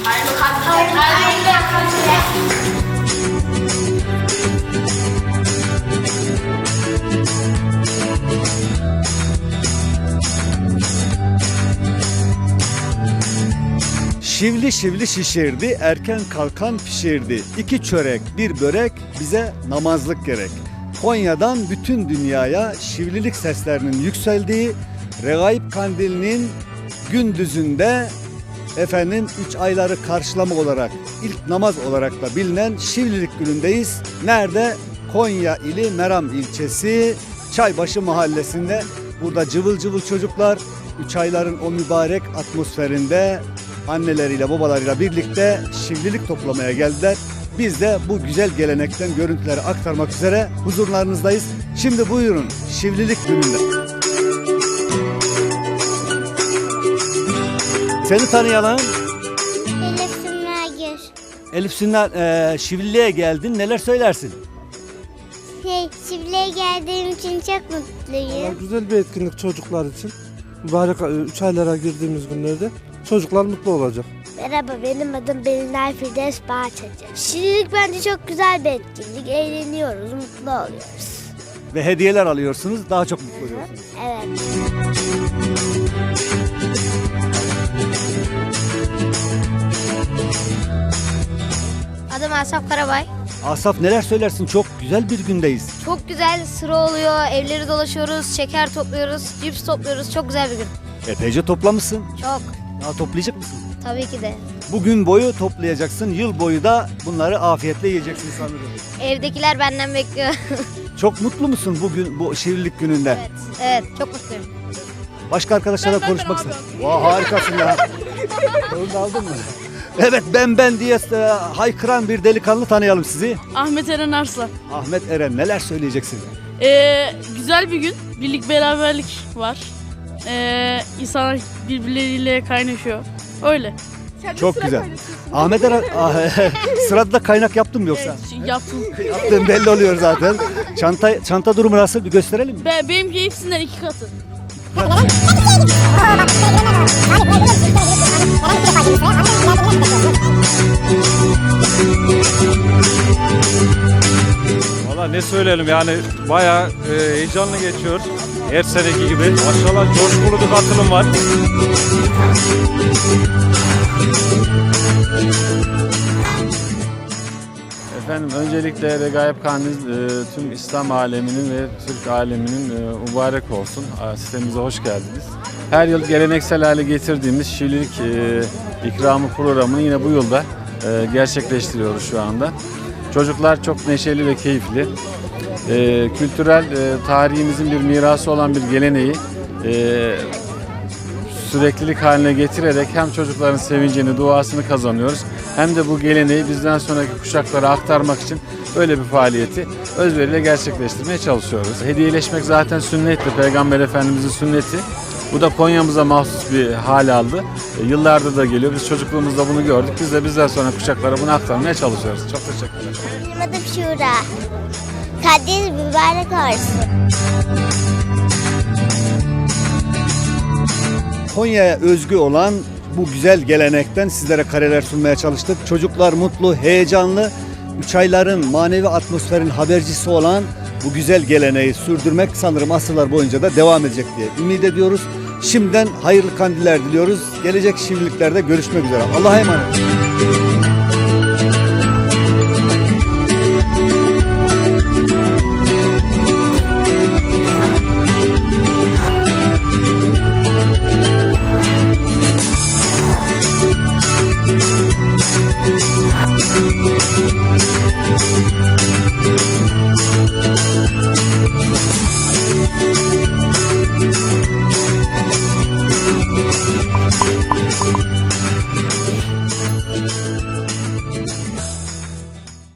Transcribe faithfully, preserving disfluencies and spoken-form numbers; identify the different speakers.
Speaker 1: Hayırlı kandiller. Hayırlı kandiller.
Speaker 2: Şivli şivli şişirdi, erken kalkan pişirdi. İki çörek, bir börek, bize namazlık gerek. Konya'dan bütün dünyaya şivlilik seslerinin yükseldiği Regaip Kandili'nin gündüzünde efendim üç ayları karşılama olarak ilk namaz olarak da bilinen Şivlilik günündeyiz. Nerede? Konya ili Meram ilçesi Çaybaşı mahallesinde. Burada cıvıl cıvıl çocuklar üç ayların o mübarek atmosferinde anneleriyle babalarıyla birlikte şivlilik toplamaya geldiler. Biz de bu güzel gelenekten görüntüleri aktarmak üzere huzurlarınızdayız. Şimdi buyurun şivlilik gününde. Seni tanıyalım.
Speaker 3: Elif Sümragür.
Speaker 2: Elif Sünner, e, şivliliğe geldin. Neler söylersin?
Speaker 3: Şey, çiftliğe geldiğim için çok mutluyum.
Speaker 4: Güzel bir etkinlik çocuklar için. Mübarek üç aylara girdiğimiz günlerde çocuklar mutlu olacak.
Speaker 3: Merhaba, benim adım Belinay Firdevs Bahçeci. Şirinlik bence çok güzel bir etkinlik. Eğleniyoruz, mutlu oluyoruz.
Speaker 2: Ve hediyeler alıyorsunuz. Daha çok mutlu oluyorsunuz.
Speaker 3: Evet.
Speaker 5: Adım Asaf Karabay.
Speaker 2: Asaf neler söylersin? Çok güzel bir gündeyiz.
Speaker 5: Çok güzel sıra oluyor, evleri dolaşıyoruz, şeker topluyoruz, cips topluyoruz. Çok güzel bir gün.
Speaker 2: Epeyce toplamışsın.
Speaker 5: Çok.
Speaker 2: Daha toplayacak mısın?
Speaker 5: Tabii ki de.
Speaker 2: Bugün boyu toplayacaksın. Yıl boyu da bunları afiyetle yiyeceksin sanırım.
Speaker 5: Evdekiler benden bekliyor.
Speaker 2: Çok mutlu musun bugün bu şivlilik gününde?
Speaker 5: Evet, evet. Çok mutluyum.
Speaker 2: Başka arkadaşlarla konuşmak istedim. Vay harikasın ya. Onu da aldın mı? Evet ben ben diye e, haykıran bir delikanlı tanıyalım sizi.
Speaker 6: Ahmet Eren Arslan.
Speaker 2: Ahmet Eren neler söyleyeceksin?
Speaker 6: Ee, güzel bir gün. Birlik beraberlik var. Ee, insanlar birbirleriyle kaynaşıyor. Öyle.
Speaker 2: Çok güzel. Ahmet Eren ah, sırada da kaynak yaptın mı yoksa?
Speaker 6: Evet, yaptım.
Speaker 2: Yaptığın belli oluyor zaten. Çanta çanta durumu nasıl bir gösterelim mi?
Speaker 6: Be benimki hepsinden iki katı.
Speaker 7: Valla ne söyleyelim yani bayağı e, heyecanlı geçiyor. Her seneki gibi. Maşallah coşkulu bir katılım var. Efendim öncelikle Regaip Kandil e, tüm İslam aleminin ve Türk aleminin e, mübarek olsun. E, sitemize hoş geldiniz. Her yıl geleneksel hale getirdiğimiz şivlilik e, ikramı programını yine bu yılda e, gerçekleştiriyoruz şu anda. Çocuklar çok neşeli ve keyifli. E, kültürel e, tarihimizin bir mirası olan bir geleneği e, süreklilik haline getirerek hem çocukların sevincini, duasını kazanıyoruz. Hem de bu geleneği bizden sonraki kuşaklara aktarmak için böyle bir faaliyeti özveriyle gerçekleştirmeye çalışıyoruz. Hediyeleşmek zaten sünnetti, Peygamber Efendimizin sünneti. Bu da Konya'mıza mahsus bir hal aldı. E, yıllardır da geliyor. Biz çocukluğumuzda bunu gördük. Biz de bizden sonra kuşaklara bunu aktarmaya çalışıyoruz. Çok teşekkürler.
Speaker 3: Benim adım Şura. Kadir mübarek olsun.
Speaker 2: Konya'ya özgü olan bu güzel gelenekten sizlere kareler sunmaya çalıştık. Çocuklar mutlu, heyecanlı, üç ayların manevi atmosferin habercisi olan bu güzel geleneği sürdürmek sanırım asırlar boyunca da devam edecek diye ümit ediyoruz. Şimdiden hayırlı kandiller diliyoruz. Gelecek şivliliklerde görüşmek üzere. Allah'a emanet.